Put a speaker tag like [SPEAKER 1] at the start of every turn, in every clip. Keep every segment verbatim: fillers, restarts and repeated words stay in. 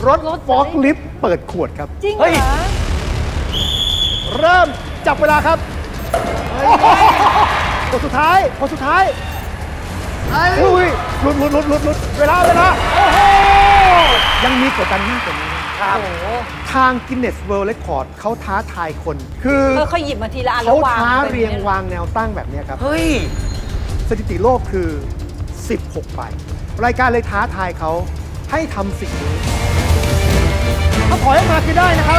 [SPEAKER 1] รถฟอกลิฟต์เปิดขวดครับ
[SPEAKER 2] จริงเหรอ
[SPEAKER 1] เริ่มจับเวลาครับคนสุดท้ายคนสุดท้ายอุ้ยหลุดหลุดหลุดหลุดหลุดเวลาเวลาโอ้โหยังมีกดดันมากกว่านี้ครับทาง Guinness World Record เขาท้าทายคน คือ
[SPEAKER 2] เออเขาหยิบมาทีละอันแล้
[SPEAKER 1] เขา
[SPEAKER 2] ววาง
[SPEAKER 1] ท้า
[SPEAKER 2] ป็น
[SPEAKER 1] เรียง
[SPEAKER 2] นี่
[SPEAKER 1] วางแนวตั้งแบบนี้ครับ
[SPEAKER 3] เฮ้ย
[SPEAKER 1] สถิติโลกคือ สิบหก ใบ รายการเลยท้าทายเขาให้ทำสิ่งนี้ถ้าถอยออกมาคือได้นะครับ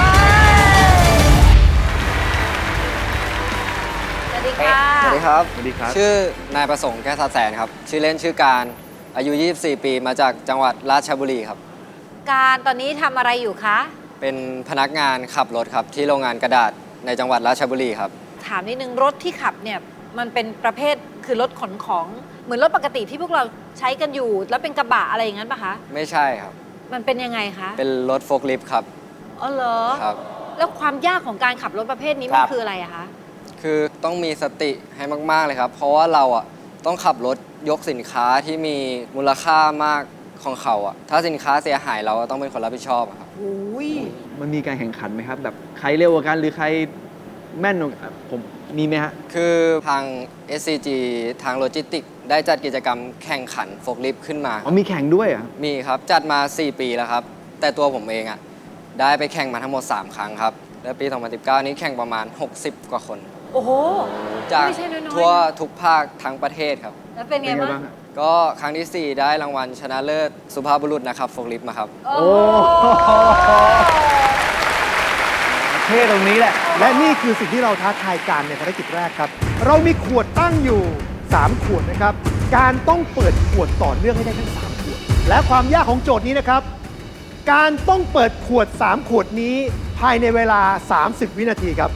[SPEAKER 2] สวัสดีค่ะ
[SPEAKER 4] สวัสดีครับ
[SPEAKER 1] สวัสดีครับ
[SPEAKER 4] ชื่อนายประสงค์แก้วทัดแสนครับ ชื่อเล่นชื่อการ อายุ ยี่สิบสี่ ปี มาจากจังหวัดราชบุรีครับ
[SPEAKER 2] การตอนนี้ทำอะไรอยู่คะ
[SPEAKER 4] เป็นพนักงานขับรถครับ ที่โรงงานกระดาษในจังหวัดราชบุรีครับ
[SPEAKER 2] ถามนิดนึงรถที่ขับเนี่ยมันเป็นประเภทคือรถขนของเหมือนรถปกติที่พวกเราใช้กันอยู่ แล้วเป็นกระบะอะไรอย่างนั้นปะคะ
[SPEAKER 4] ไม่ใช่ครับ
[SPEAKER 2] มันเป็นยังไงคะ
[SPEAKER 4] เป็นรถโฟล์คลิฟต์ครับ
[SPEAKER 2] อ๋อเหรอ
[SPEAKER 4] ครับ
[SPEAKER 2] แล้วความยากของการขับรถประเภทนี้มันคืออะไรอะคะ
[SPEAKER 4] คือต้องมีสติให้มาก ๆ เลยครับ เพราะว่าเราอ่ะต้องขับรถยกสินค้าที่มีมูลค่ามากของเขาอ่ะ ถ้าสินค้าเสียหายเราก็ต้องเป็นคนรับผิดชอบอะครับ
[SPEAKER 2] โอ้ย
[SPEAKER 3] มันมีการแข่งขันไหมครับ แบบใครเร็วกว่ากันหรือใครแม่นกว่าผมมีไหมฮะ
[SPEAKER 4] คือทาง เอส ซี จี ทางโลจิสติกได้จัดกิจกรรมแข่งขันโฟล์คลิฟต์ขึ้นมา
[SPEAKER 3] อ๋อมีแข่งด้วยเหรอ่ะ
[SPEAKER 4] มีครับ จัดมา สี่ ปีแล้วครับ แต่ตัวผมเองอ่ะได้ไปแข่งมาทั้งหมด สาม ครั้งครับ และปี สองพันสิบเก้า นี้แข่งประมาณ หกสิบ กว่าคน
[SPEAKER 2] โอ้โห
[SPEAKER 4] จาก
[SPEAKER 2] ไม่ใช่น้อยๆ
[SPEAKER 4] ทั่ว
[SPEAKER 2] นะ
[SPEAKER 4] ทุกภาคทั้งประเทศครับ
[SPEAKER 2] แล้วเป็นไง
[SPEAKER 3] เป็นไง
[SPEAKER 2] บ้าง
[SPEAKER 3] บ้างฮะ
[SPEAKER 4] ก็ครั้งที่ สี่ ได้รางวัลชนะเลิศสุภาพบุรุษนะครับโฟล์คลิฟต์มาครับ
[SPEAKER 2] โอ้โห
[SPEAKER 3] เท่ตรงนี้แหละ
[SPEAKER 1] และนี่คือสิ่งที่เราท้าทายการในภารกิจแรกครับ เรามีขวดตั้งอยู่ สาม ขวดนะครับ การต้องเปิดขวดต่อเนื่องให้ได้ทั้ง สาม ขวด และความยากของโจทย์นี้นะครับ การต้องเปิดขวด สาม ขวดนี้ภายในเวลา สามสิบ วินาทีครับ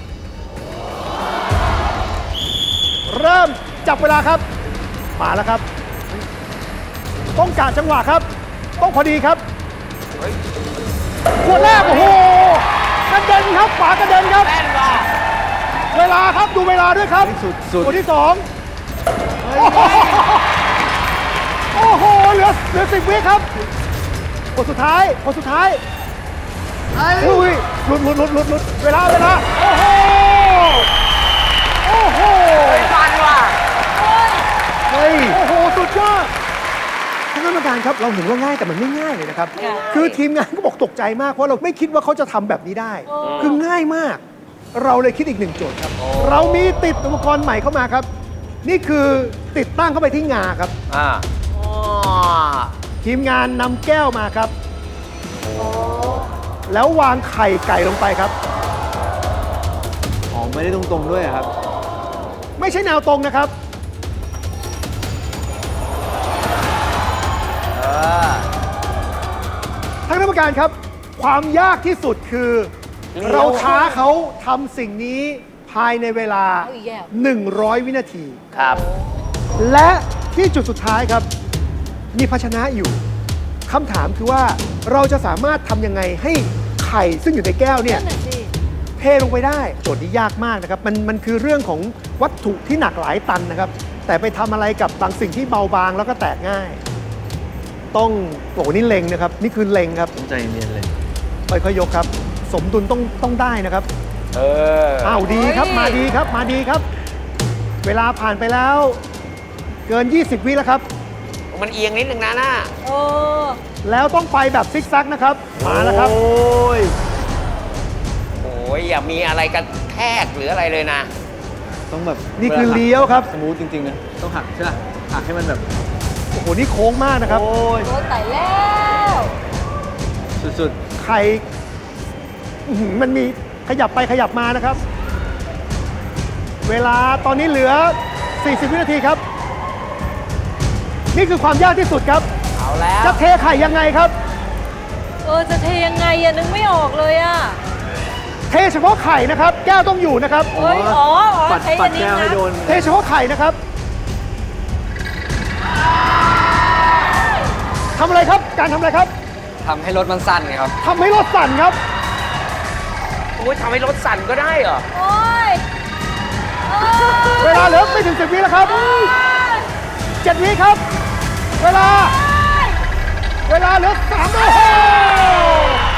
[SPEAKER 1] เริ่มจับเวลาครับ มาแล้วครับ ต้องกะจังหวะครับ ต้องพอดีครับ ขวดแรก โอ้โหกระเด็นครับฝากระเด็นครับ เวลาครับดูเวลาด้วยครับ
[SPEAKER 3] สุดสุด
[SPEAKER 1] คนที่สองโอ้โหเหลือเหลือสิบวิครับคนสุดท้ายคนสุดท้ายอุ้ยหลุดหลุดหลุดหลุดหลุดเวลาเวลาโอ้โหโอ้โห
[SPEAKER 3] มันว่ะ
[SPEAKER 1] เฮ้ยโอ้โหสุดยอดท่านกรรมการครับเราเห็นว่าง่ายแต่มันไม่ง่ายเลยนะครับ
[SPEAKER 2] ง่าย
[SPEAKER 1] คือทีมงานก็บอกตกใจมากเพราะเราไม่คิดว่าเขาจะทำแบบนี้ได้
[SPEAKER 2] โอ้
[SPEAKER 1] คือง่ายมาก เราเลยคิดอีกหนึ่งโจทย์ครับ เรามีติดอุปกรณ์ใหม่เข้ามาครับ นี่คือติดตั้งเข้าไปที่งาครับ
[SPEAKER 3] อ่า
[SPEAKER 1] ทีมงานนำแก้วมาครับ แล้ววางไข่ไก่ลงไปครับ
[SPEAKER 3] อ๋อ ไม่ได้ตรงๆด้วยเหรอครับ
[SPEAKER 1] ไม่ใช่แนวตรงนะครับ ท่านคณะกรรมการครับ ความยากที่สุดคือ เราท้าเขาทำสิ่งนี้ภายในเวลา
[SPEAKER 2] เอาอีกแล้ว
[SPEAKER 1] หนึ่งร้อย วินาที
[SPEAKER 3] ครับ
[SPEAKER 1] และที่จุดสุดท้ายครับ มีภาชนะอยู่คำถามคือว่าเราจะสามารถทำยังไงให้ไข่ซึ่งอยู่ในแก้วเนี่ย
[SPEAKER 2] นั่นน่ะสิ
[SPEAKER 1] เทลงไปได้โจทย์นี้ยากมากนะครับ มันมันคือเรื่องของวัตถุที่หนักหลายตันนะครับ แต่ไปทำอะไรกับบางสิ่งที่เบาบางแล้วก็แตกง่าย ต้องโอ้โหนี่เล็งนะครับ นี่คือเล็งครับ
[SPEAKER 3] ผมใจเย็นๆเลย
[SPEAKER 1] ค่อยๆยกครับ สมดุลต้องต้องได้นะครับ
[SPEAKER 3] เออ
[SPEAKER 1] อ้าวดีครับมาดีครับมาดีครับ เวลาผ่านไปแล้ว เกิน ยี่สิบ วิแล้วครับ
[SPEAKER 5] มันเอียงนิดนึงนะน่า
[SPEAKER 2] โอ้
[SPEAKER 1] แล้วต้องไปแบบซิกแซกนะครับ มาแล้วครับ
[SPEAKER 3] โอ้ย
[SPEAKER 5] โอ้ยอย่ามีอะไรกันแทกหรืออะไรเลยนะ
[SPEAKER 3] ต้องแบบ
[SPEAKER 1] นี่คือเลี้ยวครับ
[SPEAKER 3] สมูทจริงๆนะ ต้องหักใช่ไหมหักให้มันแบบ
[SPEAKER 1] โอ้โหนี่โค้งมากนะครับ
[SPEAKER 3] โอ้ย
[SPEAKER 2] โอ้ตายแล้ว
[SPEAKER 3] สุด
[SPEAKER 1] ไข่อื้อหือมันมีขยับไปขยับมานะครับ เวลาตอนนี้เหลือ สี่สิบ วินาทีครับ นี่คือความยากที่สุดครับ
[SPEAKER 5] เอาแล้ว
[SPEAKER 1] จะเทไข่ยังไงครับ
[SPEAKER 2] เออจะเทยังไงอะนึกไม่ออกเลยอะ
[SPEAKER 1] เทเฉพาะไข่นะครับ แก้วต้องอยู่นะครับ
[SPEAKER 2] เฮ้ยอ๋ออ๋อ
[SPEAKER 3] ๆปัด
[SPEAKER 2] ใช้
[SPEAKER 3] ปั
[SPEAKER 2] อั
[SPEAKER 3] ด
[SPEAKER 2] นนี้
[SPEAKER 3] แก้วให้
[SPEAKER 2] นะ
[SPEAKER 3] โดน
[SPEAKER 1] เทเฉพาะไข่นะครับทำอะไรครับ การทำอะไรครับ
[SPEAKER 4] ทำให้รถมันสั้นไงครับ
[SPEAKER 1] ทำให้รถสั่นครับ
[SPEAKER 5] โอ้ยทำให้รถสั่นก็ได้เหรอ
[SPEAKER 2] โอ้ยโอ้ย
[SPEAKER 1] เวลาเหลือไม่ถึงสิบวิแล้วครับเจ็ดวิครับ เวลา เวลาเหลือสามโอ้โห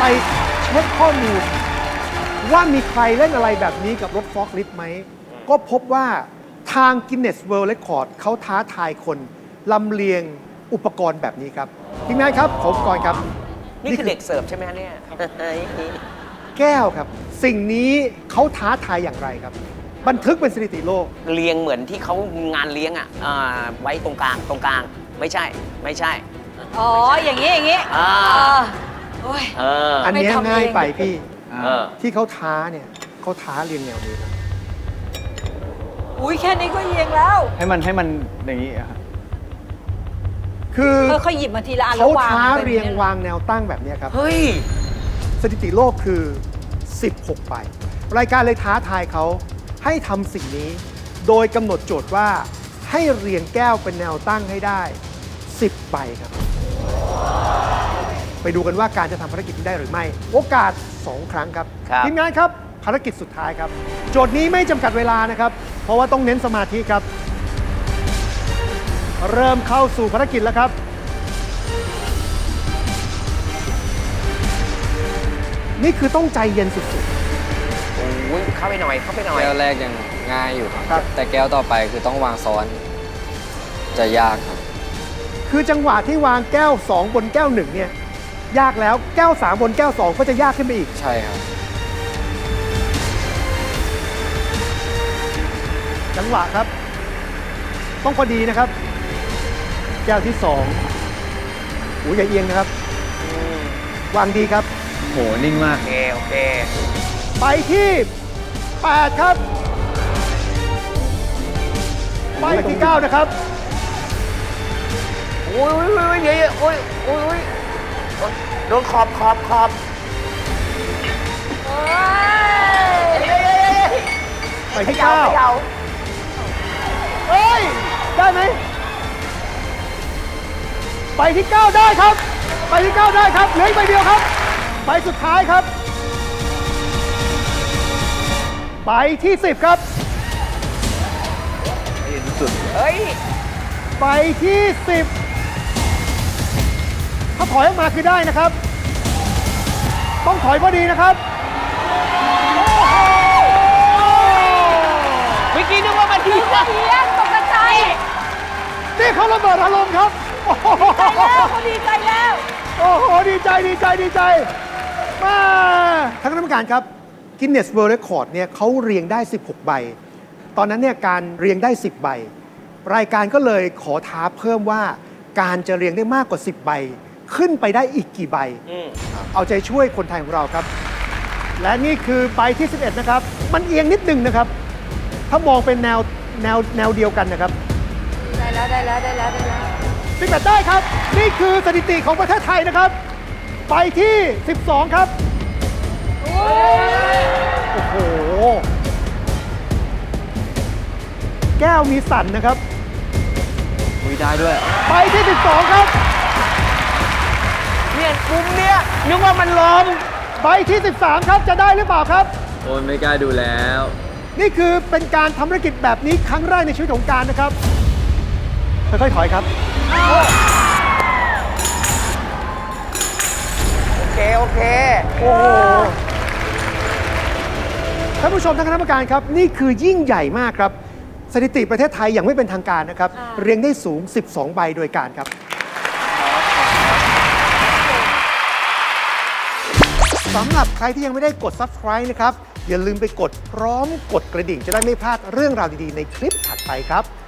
[SPEAKER 1] ไปเช็คข้อมูล ว่ามีใครเล่นอะไรแบบนี้กับรถฟอร์คลิฟต์ไหม ก็พบว่าทาง Guinness World Record เขาท้าทายคนลำเลียงอุปกรณ์แบบนี้ครับทีมงานครับขออุปกรณ์ครับ
[SPEAKER 5] นี่คือเด็กเสิร์ฟใช่ไหมฮะเนี่ย
[SPEAKER 1] แก้วครับ สิ่งนี้เขาท้าทายอย่างไรครับ บันทึกเป็นสถิติโลก
[SPEAKER 5] เลี้ยงเหมือนที่เขางานเลี้ยงอ่ะอ่าไว้ตรงกลางตรงกลาง ไม่ใช่ ไม่ใช่
[SPEAKER 2] อ๋อ อย่างนี้ อย่างนี้
[SPEAKER 5] อ่า
[SPEAKER 2] โอ้ย
[SPEAKER 5] เออ
[SPEAKER 1] อันเนี้ย
[SPEAKER 2] ไม่ทำเอง
[SPEAKER 1] ง่ายไปพี่
[SPEAKER 5] เออ
[SPEAKER 1] ที่เขาท้าเนี่ยเขาท้าเรียงแนวนี้ครับ
[SPEAKER 2] อุ้ยแค่นี้ก็เอียงแล้ว
[SPEAKER 3] ให้มันให้มันอย่างนี้อะครับ
[SPEAKER 1] คือ
[SPEAKER 2] ค่อยๆหยิบมาทีละอันแล้
[SPEAKER 1] เขา
[SPEAKER 2] ววาง
[SPEAKER 1] ท้า
[SPEAKER 2] ไป
[SPEAKER 1] เรียง
[SPEAKER 2] นี่
[SPEAKER 1] วางแนวตั้งแบบเนี้ยครับ
[SPEAKER 5] เฮ้ย
[SPEAKER 1] สถิติโลกคือ สิบหก ใบ รายการเลยท้าทายเขาให้ทำสิ่งนี้ โดยกำหนดโจทย์ว่าให้เรียงแก้วเป็นแนวตั้งให้ได้ สิบ ใบครับ ไปดูกันว่าการจะทำภารกิจนี้ได้หรือไม่ โอกาส สอง ครั้งครับ
[SPEAKER 5] ครับ
[SPEAKER 1] ทีมงานครับ ภารกิจสุดท้ายครับ โจทย์นี้ไม่จำกัดเวลานะครับ เพราะว่าต้องเน้นสมาธิครับ เริ่มเข้าสู่ภารกิจแล้วครับ นี่คือต้องใจเย็นสุด
[SPEAKER 5] โอ้ยเข้าไปหน่อย เข้าไปหน่อย
[SPEAKER 4] แก้วแรกยังง่ายอยู่ครับ
[SPEAKER 1] ครับ
[SPEAKER 4] แต่แก้วต่อไปคือต้องวางซ้อน จะยากครับ
[SPEAKER 1] ๆ คือจังหวะที่วางแก้ว สอง บนแก้ว หนึ่ง เนี่ย ยากแล้วแก้ว สาม บนแก้ว สอง ก็จะยากขึ้นไปอีก
[SPEAKER 4] ใช่ครับ
[SPEAKER 1] จังหวะครับ ต้องพอดีนะครับ แก้วที่สองหูอย่าเอียงนะครับ วางดีครับ
[SPEAKER 3] โห นิ่งมาก
[SPEAKER 5] โอเค โอเค
[SPEAKER 1] ไปที่ แปด ครับ ไปที่ เก้า นะครับ
[SPEAKER 5] โอ้ยโอ้ยโอ้ยเดี๋ยวโอ้ยโอ้ยโอ้ยโดนขอบขอบขอบ
[SPEAKER 1] ไปที่ เก้า เฮ้ย ได้ไหม ไปที่ เก้า ได้ครับ ไปที่ เก้า ได้ครับ เหลืออีกใบเดียวครับ ไปสุดท้ายครับ ไปที่ สิบ ครับ
[SPEAKER 5] เฮ้ย
[SPEAKER 1] ไปที่ สิบ ถ้าถอยออกมาคือได้นะครับ ต้องถอยพอดีนะครับ
[SPEAKER 5] เมื่อกี้นึกว่ามันดีนะ
[SPEAKER 2] เอียงตกใจ
[SPEAKER 1] นี่เขาระเบิดอารมณ์ครับ โอ้โห
[SPEAKER 2] แล้วเขาดีใจแล้ว
[SPEAKER 1] โอ้โห ดีใจ ดีใจ ดีใจ มาท่านคณะกรรมการครับ Guinness World Record เนี่ยเขาเรียงได้ สิบหก ใบ ตอนนั้นเนี่ยการเรียงได้ สิบ ใบ รายการก็เลยขอท้าเพิ่มว่าการจะเรียงได้มากกว่า สิบ ใบ ขึ้นไปได้อีกกี่ใบ
[SPEAKER 5] อืม
[SPEAKER 1] เอาใจช่วยคนไทยของเราครับ และนี่คือใบที่ สิบเอ็ด นะครับ มันเอียงนิดหนึ่งนะครับ ถ้ามองเป็นแนวแนวแนวเดียวกันนะครับ
[SPEAKER 2] ได้แล้ว ได้แล้ว ได้แล้ว ได้แล้ว
[SPEAKER 1] สิบเอ็ด ได้ครับ นี่คือสถิติของประเทศไทยนะครับ ไปที่ สิบสอง ครับ โอ้โห แก้วมีสั่นนะครับ
[SPEAKER 3] คุยได้ด้วย
[SPEAKER 1] ไปที่ สิบสอง ครับ
[SPEAKER 5] เนี่ยมุมเนี้ยนึกว่ามันลม
[SPEAKER 1] ไปที่ สิบสาม ครับ จะได้หรือเปล่าครับ
[SPEAKER 3] โอนไม่กล้าดูแล้ว
[SPEAKER 1] นี่คือเป็นการทำธุรกิจแบบนี้ครั้งแรกในชีวิตของการนะครับ ค่อยๆถอยครับ
[SPEAKER 5] โอเค โอเค
[SPEAKER 1] โอ้โห ท่านผู้ชมท่านคณะกรรมการครับ นี่คือยิ่งใหญ่มากครับ สถิติประเทศไทยอย่างไม่เป็นทางการนะครับ
[SPEAKER 2] ค่ะ
[SPEAKER 1] เรียงได้สูง สิบสอง ใบโดยการครับ สำหรับใครที่ยังไม่ได้กด Subscribe นะครับ อย่าลืมไปกดพร้อมกดกระดิ่งจะได้ไม่พลาดเรื่องราวดีๆในคลิปถัดไปครับ